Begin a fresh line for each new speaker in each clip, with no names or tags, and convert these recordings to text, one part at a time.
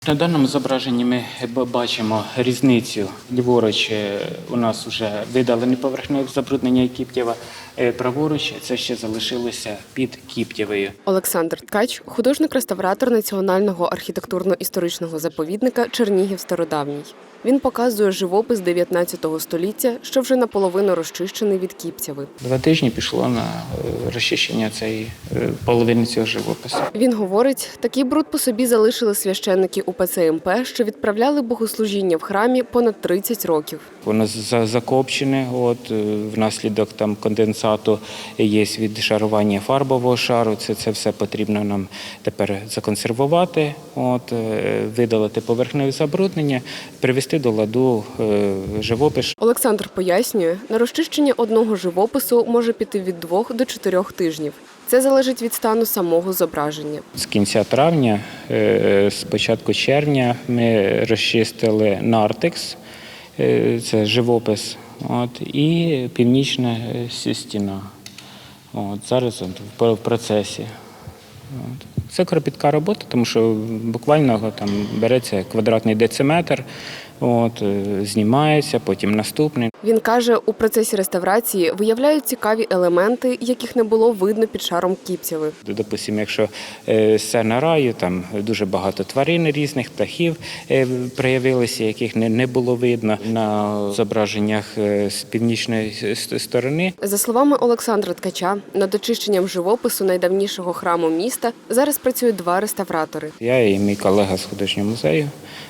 На даному зображенні ми бачимо різницю. Ліворуч у нас вже видалені поверхневе забруднення Кіптєва, праворуч це ще залишилося під Кіптєвою.
Олександр Ткач – художник-реставратор Національного архітектурно-історичного заповідника Чернігів Стародавній. Він показує живопис 19 століття, що вже наполовину розчищений від Кіптєви.
2 тижні пішло на розчищення цієї половини цього живопису.
Він говорить, такий бруд по собі залишили священники УПЦ МП, що відправляли богослужіння в храмі понад 30 років.
Воно закопчене, внаслідок конденсату є відшарування фарбового шару. Це все потрібно нам тепер законсервувати, видалити поверхневе забруднення, привести до ладу живопис.
Олександр пояснює, на розчищення одного живопису може піти від 2 до 4 тижнів. Це залежить від стану самого зображення.
З кінця травня, з початку червня ми розчистили нартекс, це живопис, і північна стіна. Зараз в процесі. Це кропітка робота, тому що буквально береться квадратний дециметр, знімається, потім наступний.
Він каже, у процесі реставрації виявляють цікаві елементи, яких не було видно під шаром Кіптєви.
Допустимо, якщо сцена раю, там дуже багато тварин різних, птахів проявилися, яких не було видно на зображеннях з північної сторони.
За словами Олександра Ткача, над очищенням живопису найдавнішого храму міста зараз працюють 2 реставратори.
Я і мій колега з художнього музею.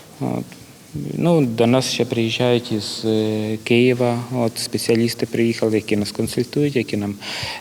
До нас ще приїжджають із Києва, спеціалісти приїхали, які нас консультують, які нам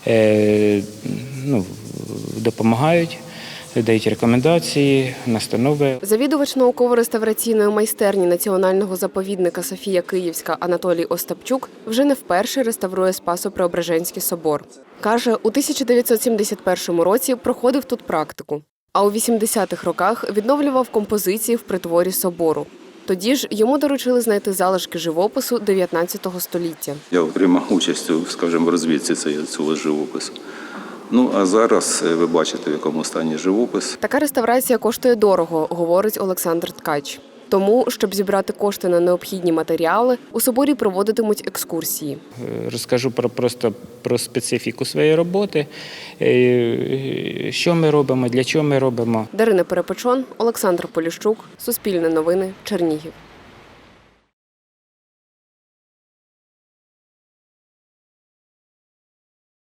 допомагають, дають рекомендації, настанови.
Завідувач науково-реставраційної майстерні Національного заповідника Софія Київська Анатолій Остапчук вже не вперше реставрує Спасо-Преображенський собор. Каже, у 1971 році проходив тут практику, а у 80-х роках відновлював композиції в притворі собору. Тоді ж йому доручили знайти залишки живопису 19 століття.
Я приймав участь у, в розвідці цього живопису. А зараз ви бачите, в якому стані живопис.
Така реставрація коштує дорого, говорить Олександр Ткач. Тому, щоб зібрати кошти на необхідні матеріали, у соборі проводитимуть екскурсії.
Розкажу про специфіку своєї роботи, що ми робимо, для чого ми робимо.
Дарина Перепечон, Олександр Поліщук, Суспільне новини, Чернігів.